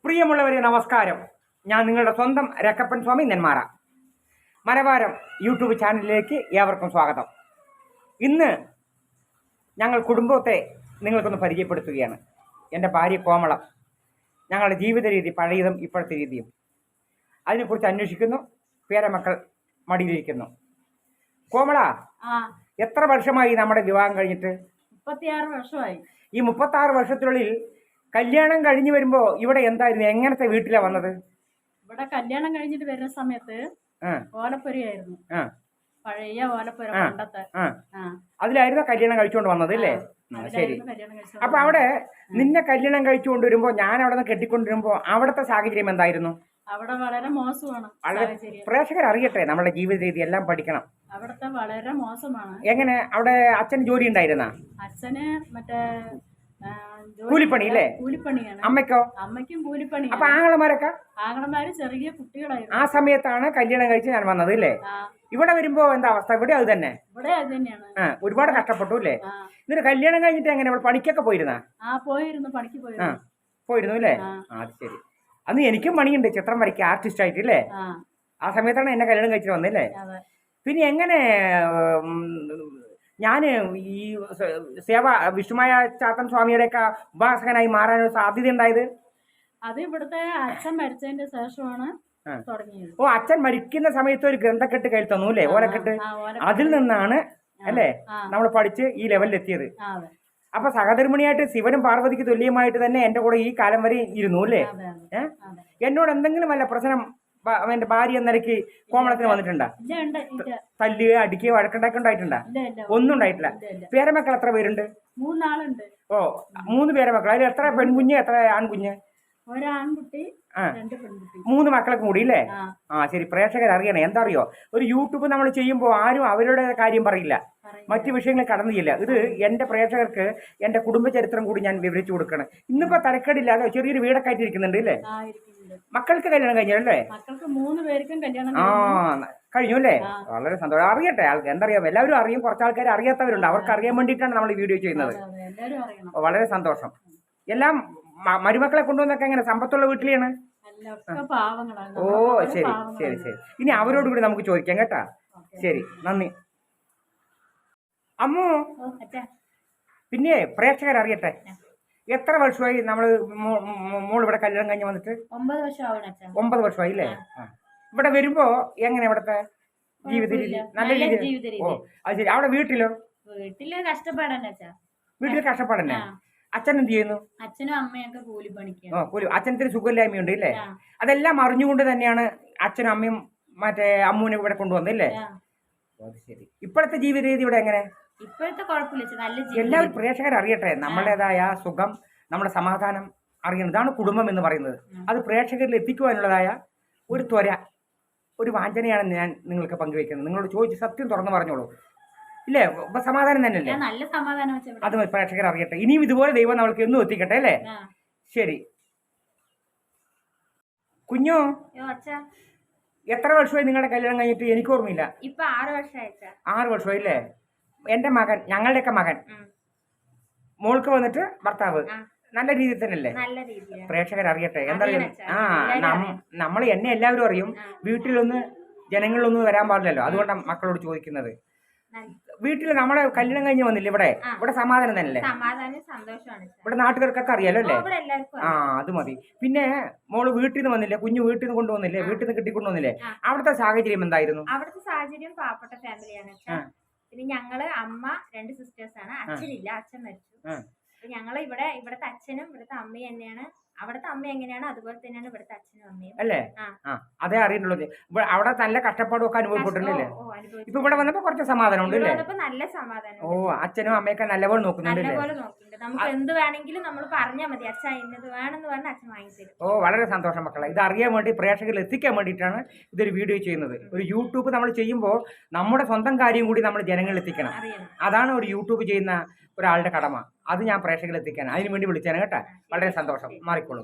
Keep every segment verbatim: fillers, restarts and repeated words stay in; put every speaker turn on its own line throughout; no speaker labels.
പ്രിയമുള്ളവരെ നമസ്കാരം. ഞാൻ നിങ്ങളുടെ സ്വന്തം രക്കപ്പൻ സ്വാമി നെന്മാറ. മലബാരം യൂട്യൂബ് ചാനലിലേക്ക് ഏവർക്കും സ്വാഗതം. ഇന്ന് ഞങ്ങൾ കുടുംബത്തെ നിങ്ങൾക്കൊന്ന് പരിചയപ്പെടുത്തുകയാണ്. എൻ്റെ ഭാര്യ കോമളം, ഞങ്ങളുടെ ജീവിത രീതി പഴയതും ഇപ്പോഴത്തെ രീതിയും അതിനെക്കുറിച്ച് അന്വേഷിക്കുന്നു. പേരമക്കൾ മടിയിലിരിക്കുന്നു. കോമള, എത്ര വർഷമായി നമ്മുടെ വിവാഹം കഴിഞ്ഞിട്ട്?
മുപ്പത്തിയാറ് വർഷമായി.
ഈ മുപ്പത്തി ആറ് വർഷത്തിനുള്ളിൽ കല്യാണം കഴിഞ്ഞു വരുമ്പോ ഇവിടെ എന്തായിരുന്നു, എങ്ങനത്തെ വീട്ടിലാ വന്നത്?
ഇവിടെ കല്യാണം കഴിഞ്ഞിട്ട് വരുന്ന സമയത്ത് ഓലപ്പുരയായിരുന്നു, പഴയ ഓലപ്പുര പണ്ടത്തെ.
അതിലായിരുന്നു കല്യാണം കഴിച്ചുകൊണ്ട് വന്നത് അല്ലേ? ശരി. അപ്പൊ അവിടെ നിന്നെ കല്യാണം കഴിച്ചുകൊണ്ട് വരുമ്പോ, ഞാൻ അവിടെ നിന്ന് കെട്ടിക്കൊണ്ടിരുമ്പോ അവിടുത്തെ സാഹചര്യം എന്തായിരുന്നു?
അവിടെ വളരെ മോശമാണ്.
പ്രേക്ഷകർ അറിയട്ടെ, നമ്മുടെ ജീവിത രീതി എല്ലാം പഠിക്കണം.
അവിടുത്തെ വളരെ മോശമാണ്.
എങ്ങനെ? അവിടെ അച്ഛൻ ജോലി ഉണ്ടായിരുന്ന?
അച്ഛന് മറ്റേ
കൂലിപ്പണി അല്ലേ?
കൂലിപ്പണിയാണ്.
അമ്മയ്ക്കോ?
അമ്മയ്ക്കും കൂലിപ്പണി.
അപ്പൊ ആങ്ങളമാരൊക്കെ?
ആങ്ങളമാര് ചെറിയ കുട്ടികളായിരുന്നു.
ആ സമയത്താണ് കല്യാണം കഴിച്ച് ഞാൻ വന്നത് അല്ലേ? ഇവിടെ വരുമ്പോ എന്താ അവസ്ഥ? ഇവിടെ അത് തന്നെ?
ഇവിടെ അത് തന്നെയാണ്.
ഒരുപാട് കഷ്ടപ്പെട്ടു അല്ലേ? എന്നിട്ട് കല്യാണം കഴിഞ്ഞിട്ട് എങ്ങനെ പണിക്കൊക്കെ പോയിരുന്ന?
ആ പോയിരുന്നു, പണിക്ക് പോയിരുന്നു.
പോയിരുന്നു അല്ലേ? അത് ശരി. അന്ന് എനിക്കും പണിയുണ്ട്, ചിത്രം വരയ്ക്കുക, ആർട്ടിസ്റ്റ് ആയിട്ട് അല്ലേ? ആ സമയത്താണ് എന്നെ കല്യാണം കഴിച്ചിട്ട് വന്നല്ലേ? പിന്നെ എങ്ങനെ ഞാൻ ഈ സേവ വിഷ്ണുമായ ചാത്തൻ സ്വാമിയുടെ ഒക്കെ ഉപാസകനായി മാറാനൊരു സാധ്യത ഉണ്ടായത്?
അത് ഇവിടുത്തെ അച്ഛൻ മരിച്ചതിന്റെ ശേഷമാണ് തുടങ്ങിയത്.
ഓ, അച്ഛൻ മരിക്കുന്ന സമയത്ത് ഒരു ഗ്രന്ഥക്കെട്ട് കയ്യിൽ തന്നു അല്ലേ? ഓലക്കെട്ട്. അതിൽ നിന്നാണ് അല്ലേ നമ്മൾ പഠിച്ച് ഈ ലെവലിൽ എത്തിയത്. അപ്പൊ സഹധർമ്മിണിയായിട്ട് ശിവനും പാർവതിക്ക് തുല്യമായിട്ട് തന്നെ എന്റെ കൂടെ ഈ കാലം വരെ ഇരുന്നു അല്ലേ? ഏഹ് എന്നോട് എന്തെങ്കിലും വല്ല പ്രശ്നം എന്റെ ഭാര്യ എന്ന നിലയ്ക്ക് കോമളത്തിന് വന്നിട്ടുണ്ടാ? തല്ലുകയോ അടിക്കുകയോ വഴക്കുണ്ടാക്കി ഉണ്ടായിട്ടുണ്ടാ? ഒന്നും ഉണ്ടായിട്ടില്ല. പേരമക്കൾ എത്ര പേരുണ്ട്?
മൂന്നാളുണ്ട്.
ഓ, മൂന്ന് പേരമക്കൾ. അതിൽ എത്ര പെൺകുഞ്ഞ്, എത്ര ആൺകുഞ്ഞ്?
ഒരാൺകുട്ടി,
മൂന്ന് മക്കളൊക്കെ കൂടി അല്ലേ? ആ ശരി. പ്രേക്ഷകർ അറിയണേ, എന്താ അറിയോ, ഒരു യൂട്യൂബ് നമ്മൾ ചെയ്യുമ്പോൾ ആരും അവരുടെ കാര്യം പറയില്ല, മറ്റു വിഷയങ്ങൾ കടന്നു ചെയ്യില്ല. ഇത് എന്റെ പ്രേക്ഷകർക്ക് എന്റെ കുടുംബ ചരിത്രം കൂടി ഞാൻ വിവരിച്ചു കൊടുക്കണം. ഇന്നിപ്പോ തരക്കേടില്ലാതെ ചെറിയൊരു വീടൊക്കെ ആയിട്ട് ഇരിക്കുന്നുണ്ട് അല്ലേ? മക്കൾക്ക് കല്യാണം കഴിഞ്ഞല്ലേ? ആ കഴിഞ്ഞു അല്ലേ? വളരെ സന്തോഷം. അറിയട്ടെ, ആൾക്ക് എന്തറിയാം, എല്ലാവരും അറിയും. കുറച്ച് ആൾക്കാർ അറിയാത്തവരുണ്ട്, അവർക്ക് അറിയാൻ വേണ്ടിയിട്ടാണ് നമ്മൾ ഈ വീഡിയോ ചെയ്യുന്നത്. വളരെ സന്തോഷം. എല്ലാം മരുമക്കളെ കൊണ്ടുവന്നൊക്കെ എങ്ങനെ സമ്പത്തുള്ള വീട്ടിലാണ്? ഓ ശരി ശരി ശരി. ഇനി അവരോട് കൂടി നമുക്ക് ചോദിക്കാം കേട്ടാ. ശരി, നന്ദി. അമ്മു, പിന്നെ പ്രേക്ഷകർ അറിയട്ടെ, എത്ര വർഷമായി നമ്മള് മോൾ ഇവിടെ കല്യാണം കഴിഞ്ഞ് വന്നിട്ട്?
ഒമ്പത് വർഷം.
ഒമ്പത് വർഷമായി അല്ലേ? ഇവിടെ വരുമ്പോ എങ്ങനെ ഇവിടത്തെ ജീവിത രീതി? നല്ല രീതി. ഓ അത് ശരി. അവിടെ വീട്ടിലോ?
വീട്ടില് കഷ്ടപ്പാടന്നെ.
വീട്ടിൽ കഷ്ടപ്പാടന്നെ. അച്ഛൻ എന്ത് ചെയ്യുന്നു?
അച്ഛനും അമ്മയൊക്കെ കൂലിപ്പണിക്ക്.
ഓ കൂലി. അച്ഛനത്തിന് സുഖമില്ലായ്മയുണ്ട് ഇല്ലേ? അതെല്ലാം അറിഞ്ഞുകൊണ്ട് തന്നെയാണ് അച്ഛനും അമ്മയും മറ്റേ അമ്മൂനെ ഇവിടെ കൊണ്ടുവന്നില്ലേ? അത് ശരി. ഇപ്പോഴത്തെ ജീവിത രീതി ഇവിടെ എങ്ങനെ?
ഇപ്പോഴത്തെ കുഴപ്പമില്ല.
എല്ലാവരും പ്രേക്ഷകർ അറിയട്ടെ, നമ്മുടേതായ സുഖം, നമ്മുടെ സമാധാനം അറിയണം. ഇതാണ് കുടുംബം എന്ന് പറയുന്നത്. അത് പ്രേക്ഷകരിൽ എത്തിക്കുവാനുള്ളതായ ഒരു ത്വര, ഒരു വാഞ്ചനയാണ് ഞാൻ നിങ്ങൾക്ക് പങ്കുവയ്ക്കുന്നത്. നിങ്ങളോട് ചോദിച്ച് സത്യം തുറന്നു പറഞ്ഞോളൂ ഇല്ലേ? സമാധാനം തന്നെയല്ലേ?
നല്ല സമാധാനം.
അത് പ്രേക്ഷകർ അറിയട്ടെ. ഇനിയും ഇതുപോലെ ദൈവം നമ്മൾക്ക് എന്നും എത്തിക്കട്ടെ അല്ലേ? ശരി. കുഞ്ഞോ, എത്ര വർഷമായി നിങ്ങളുടെ കല്യാണം കഴിഞ്ഞിട്ട്? എനിക്ക് ഓർമ്മയില്ല.
ഇപ്പൊ ആറ് വർഷമായി.
ആറ് വർഷമായി അല്ലേ? എന്റെ മകൻ, ഞങ്ങളുടെയൊക്കെ മകൻ, മോൾക്ക് വന്നിട്ട് ഭർത്താവ് നല്ല രീതിയിൽ തന്നെയല്ലേ? പ്രേക്ഷകർ അറിയട്ടെ. എന്താ അറിയാം, ആ നമ്മൾ എന്നെ എല്ലാവരും അറിയും. വീട്ടിലൊന്ന് ജനങ്ങളിലൊന്നും വരാൻ പാടില്ലല്ലോ, അതുകൊണ്ടാണ് മക്കളോട് ചോദിക്കുന്നത്. വീട്ടിൽ നമ്മളെ കല്യാണം കഴിഞ്ഞ് വന്നില്ല ഇവിടെ? ഇവിടെ സമാധാനം തന്നെയല്ലേ? ഇവിടെ നാട്ടുകാർക്കൊക്കെ അറിയാലോ അല്ലേ? ആ അത് മതി. പിന്നെ മോള് വീട്ടിൽ നിന്ന് വന്നില്ലേ? കുഞ്ഞു വീട്ടിൽ നിന്ന് കൊണ്ടുവന്നില്ലേ? വീട്ടിൽ നിന്ന് കിട്ടിക്കൊണ്ടുവന്നില്ലേ? അവിടുത്തെ സാഹചര്യം എന്തായിരുന്നു?
അവിടുത്തെ സാഹചര്യം പാവപ്പെട്ട ഫാമിലിയാണ്. പിന്നെ ഞങ്ങള് അമ്മ രണ്ട് സിസ്റ്റേഴ്സ് ആണ്. അച്ഛനില്ല, അച്ഛൻ മരിച്ചു. ഞങ്ങള് ഇവിടെ ഇവിടുത്തെ അച്ഛനും ഇവിടുത്തെ അമ്മയും തന്നെയാണ്. അവിടുത്തെ അമ്മ എങ്ങനെയാണ് അതുപോലെ തന്നെയാണ് ഇവിടുത്തെ അച്ഛനും അമ്മയും
അല്ലേ? ആ അതേ അറിയുന്നുള്ളത്. അവിടെ നല്ല കഷ്ടപ്പാടും ഒക്കെ അനുഭവപ്പെട്ടില്ലേ? ഇപ്പൊ ഇവിടെ വന്നപ്പോ കുറച്ച് സമാധാനം ഉണ്ട് അല്ലേ?
നല്ല സമാധാനം.
ഓ, അച്ഛനും അമ്മയൊക്കെ നല്ലപോലെ നോക്കുന്നുണ്ട്.
നമുക്ക് എന്ത് വേണമെങ്കിലും നമ്മൾ പറഞ്ഞാൽ മതി, അച്ഛൻ ഇന്നത് വേണമെന്ന് പറഞ്ഞാൽ അച്ഛൻ വാങ്ങിത്തരും.
ഓ വളരെ സന്തോഷം മക്കളെ. ഇത് അറിയാൻ വേണ്ടി പ്രേക്ഷകരിൽ എത്തിക്കാൻ വേണ്ടിയിട്ടാണ് ഇതൊരു വീഡിയോ ചെയ്യുന്നത്. ഒരു യൂട്യൂബ് നമ്മൾ ചെയ്യുമ്പോൾ നമ്മുടെ സ്വന്തം കാര്യം കൂടി നമ്മൾ ജനങ്ങളിൽ എത്തിക്കണം. അതാണ് ഒരു യൂട്യൂബ് ചെയ്യുന്ന ഒരാളുടെ കടമ. അത് ഞാൻ പ്രേക്ഷകരിൽ എത്തിക്കാൻ അതിനു വേണ്ടി വിളിച്ചാണ് കേട്ടാ. വളരെ സന്തോഷം. മാറിക്കോളും.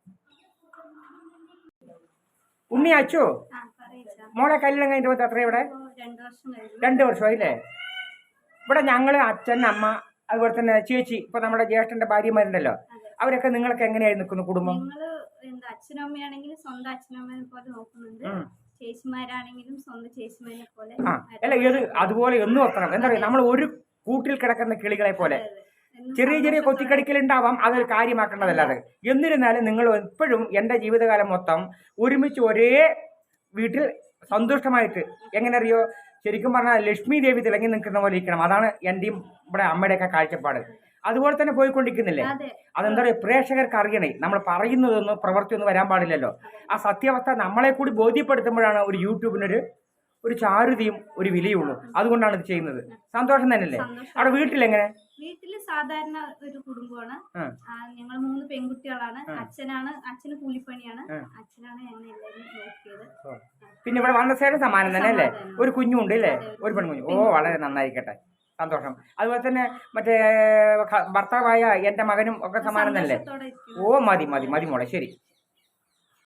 ഉണ്ണി അച്ചു, മോളെ കല്യാണം കഴിഞ്ഞിട്ട് എത്ര? ഇവിടെ രണ്ട് വർഷമായില്ലേ? ഇവിടെ ഞങ്ങള് അച്ഛൻ അമ്മ അതുപോലെ തന്നെ ചേച്ചി ഇപ്പൊ നമ്മുടെ ജ്യേഷ്ഠന്റെ ഭാര്യമാരുണ്ടല്ലോ, അവരൊക്കെ നിങ്ങൾക്ക് എങ്ങനെയായി നിൽക്കുന്നു കുടുംബം?
നിങ്ങള് എന്താ അച്ഛനും അമ്മയാണെങ്കിലും സ്വന്തം അച്ഛനും അമ്മയെ പോലെ നോക്കുന്നുണ്ട്, ചേച്ചിമാരാണെങ്കിലും സ്വന്തം ചേച്ചിമാരെ പോലെ.
ആ അല്ല ഏത് അതുപോലെ എന്നും വെക്കണം. എന്താ പറയുക, നമ്മൾ ഒരു കൂട്ടിൽ കിടക്കുന്ന കിളികളെ പോലെ ചെറിയ ചെറിയ കൊത്തിക്കടിക്കലുണ്ടാവാം, അതൊരു കാര്യമാക്കേണ്ടതല്ലാതെ. എന്നിരുന്നാലും നിങ്ങൾ എപ്പോഴും എൻ്റെ ജീവിതകാലം മൊത്തം ഒരുമിച്ച് ഒരേ വീട്ടിൽ സന്തുഷ്ടമായിട്ട്, എങ്ങനെ അറിയോ, ശരിക്കും പറഞ്ഞാൽ ലക്ഷ്മി ദേവി തിളങ്ങി നിൽക്കുന്ന പോലെ ഇരിക്കണം. അതാണ് എൻ്റെയും ഇവിടെ അമ്മയുടെയൊക്കെ കാഴ്ചപ്പാട്. അതുപോലെ തന്നെ പോയിക്കൊണ്ടിരിക്കുന്നില്ലേ? അതെന്താ പറയുക, പ്രേക്ഷകർക്ക് അറിയണേ, നമ്മൾ പറയുന്നതൊന്നും പ്രവൃത്തിയൊന്നും വരാൻ പാടില്ലല്ലോ. ആ സത്യാവസ്ഥ നമ്മളെ കൂടി ബോധ്യപ്പെടുത്തുമ്പോഴാണ് ഒരു യൂട്യൂബിനൊരു ഒരു ചാരുതയും ഒരു വിലയുള്ളൂ. അതുകൊണ്ടാണ് ഇത് ചെയ്യുന്നത്. സന്തോഷം തന്നെയല്ലേ? അവിടെ വീട്ടിലെങ്ങനെ?
വീട്ടില് സാധാരണ ഒരു കുടുംബമാണ്. ഞങ്ങൾ മൂന്ന് പെൺകുട്ടികളാണ്. അച്ഛനാണ് അച്ഛന് കൂലിപ്പണിയാണ്. അച്ഛനാണ് ഞങ്ങൾ എല്ലാവരും നോക്കിയത്.
പിന്നെ ഇവിടെ വന്നസേടെ സമാനം തന്നെ അല്ലേ? ഒരു കുഞ്ഞുണ്ട് അല്ലേ? ഒരു പെൺകുഞ്ഞു. ഓ വളരെ നന്നായിരിക്കട്ടെ, സന്തോഷം. അതുപോലെ തന്നെ മറ്റേ ഭർത്താവായ എൻ്റെ മകനും ഒക്കെ സമാനം തന്നെ അല്ലേ? ഓ മതി മതി മതി മോളെ, ശരി.